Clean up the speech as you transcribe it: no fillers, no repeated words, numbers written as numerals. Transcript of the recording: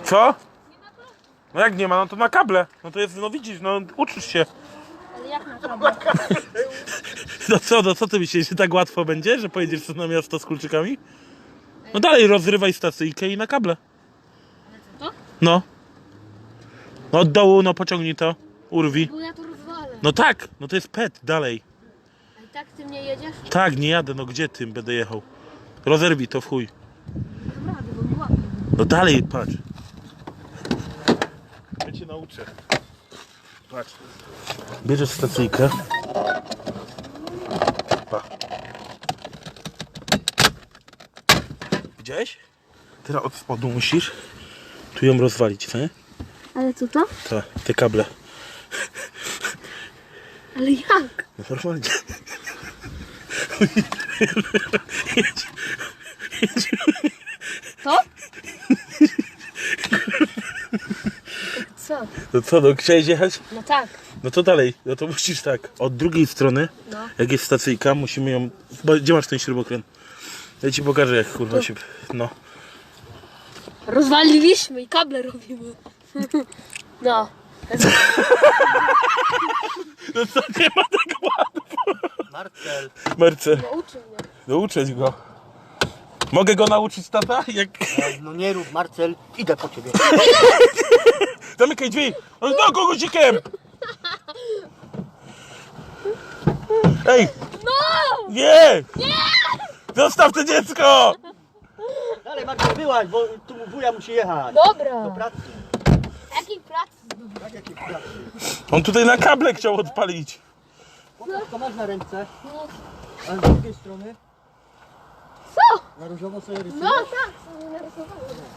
Co? No jak nie ma, no to na kable. No to jest, no widzisz, no uczysz się. Ale jak na kable? No co ty myślisz, że tak łatwo będzie, że pojedziesz na miasto z kulczykami? No dalej rozrywaj stacyjkę i na kable. To? No. No od dołu, no pociągnij to. Urwij. Bo ja to rozwalę. No tak, no to jest pet, dalej. A i tak ty mnie jedziesz? Tak, nie jadę, no gdzie tym będę jechał? Rozerwij to w chuj. Dobra, bo mi łapie. No dalej, patrz. Ja cię nauczę. Patrz. Bierzesz stacyjkę. Pa. Widziałeś? Teraz od spodu musisz tu ją rozwalić, co nie? Ale co to? Te kable. Ale jak? No normalnie. To? Co? No co, no chciałeś jechać? No tak. No to dalej, no to musisz tak. Od drugiej strony, No. jak jest stacyjka, musimy ją... Gdzie masz ten śrubokręt? Ja ci pokażę jak kurwa się... No. Rozwaliliśmy i kable robimy. No. No co, nie ma tak łatwo. Marcel. Marcel, Nauczy mnie. nauczyć go. Mogę go nauczyć, tata? Jak... No nie rób, Marcel, idę po ciebie. Zamykaj drzwi! No guzikiem! Ej! No! Nie! Nie! Zostaw to dziecko! Dalej Marcel, wyłaź, bo tu wuja musi jechać. Dobra. Do pracy. Jakiej pracy? Tak, jakiej pracy. On tutaj na kable chciał odpalić. Pokaż, to masz na ręce. No. A z drugiej strony? Co? Na różowo sobie rysujesz? No tak, sobie narysowałem.